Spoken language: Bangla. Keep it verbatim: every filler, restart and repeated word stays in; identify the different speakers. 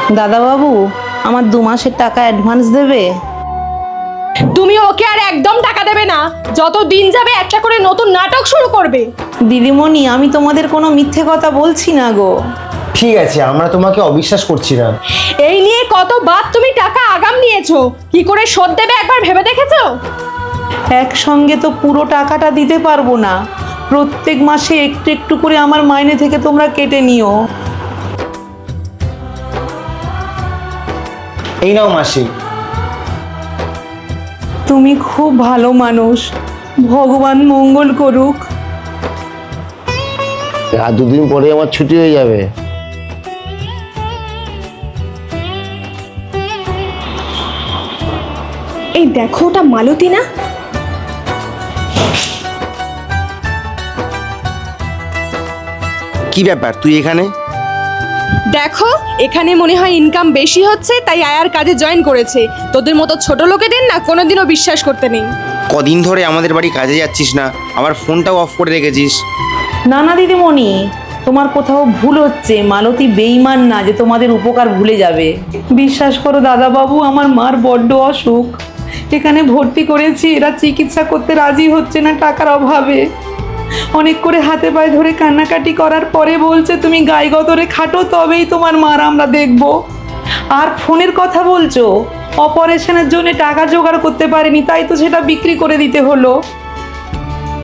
Speaker 1: দাদাবাবু, আমার দু মাসের টাকা অ্যাডভান্স দেবে?
Speaker 2: তুমি ওকে আর একদম টাকা দেবে না, যত দিন যাবে একটা করে নতুন নাটক শুরু করবে।
Speaker 1: দিদিমণি, আমি তোমাদের কোনো মিথ্যে কথা বলছি না গো।
Speaker 3: ঠিক আছে, আমরা তোমাকে অবিশ্বাস করছি না।
Speaker 2: এই নিয়ে কতবার তুমি টাকা আগাম নিয়েছো, কি করে শোধ দেবে একবার ভেবে দেখেছো?
Speaker 1: একসঙ্গে তো পুরো টাকাটা দিতে পারবো না, প্রত্যেক মাসে একটু একটু করে আমার মাইনে থেকে তোমরা কেটে নিও।
Speaker 3: এই নাও মাসি।
Speaker 1: তুমি খুব ভালো মানুষ, ভগবান মঙ্গল করুক।
Speaker 4: আর দুদিন পরে আমার ছুটি হয়ে যাবে।
Speaker 2: এই দেখো, ওটা মালতী না?
Speaker 4: কি ব্যাপার, তুই এখানে?
Speaker 2: দেখো, এখানে মনে হয় ইনকাম বেশি হচ্ছে তাই আয়ার কাজে জয়েন করেছে। তোদের মতো ছোট লোকেদের না কোনোদিনও বিশ্বাস করতে নেই।
Speaker 4: কদিন ধরে আমাদের বাড়ি কাজে যাচ্ছিস না, আবার ফোনটাও অফ করে রেখেছিস।
Speaker 1: না না দিদিমণি, তোমার কোথাও ভুল হচ্ছে। মালতী বেইমান না যে তোমাদের উপকার ভুলে যাবে। বিশ্বাস করো দাদাবাবু, আমার মার বড্ড অসুখ, এখানে ভর্তি করেছি, এরা চিকিৎসা করতে রাজি হচ্ছে না টাকার অভাবে। অনেক করে হাতে পায়ে ধরে কান্নাকাটি করার পরে বলছে তুমি গায়ে গতরে খাটো, তবেই তোমার মার আমরা দেখব। আর ফোনের কথা বলছো, অপারেশনের জন্য টাকা জোগাড় করতে পারেনি, তাই তো সেটা বিক্রি করে দিতে হলো।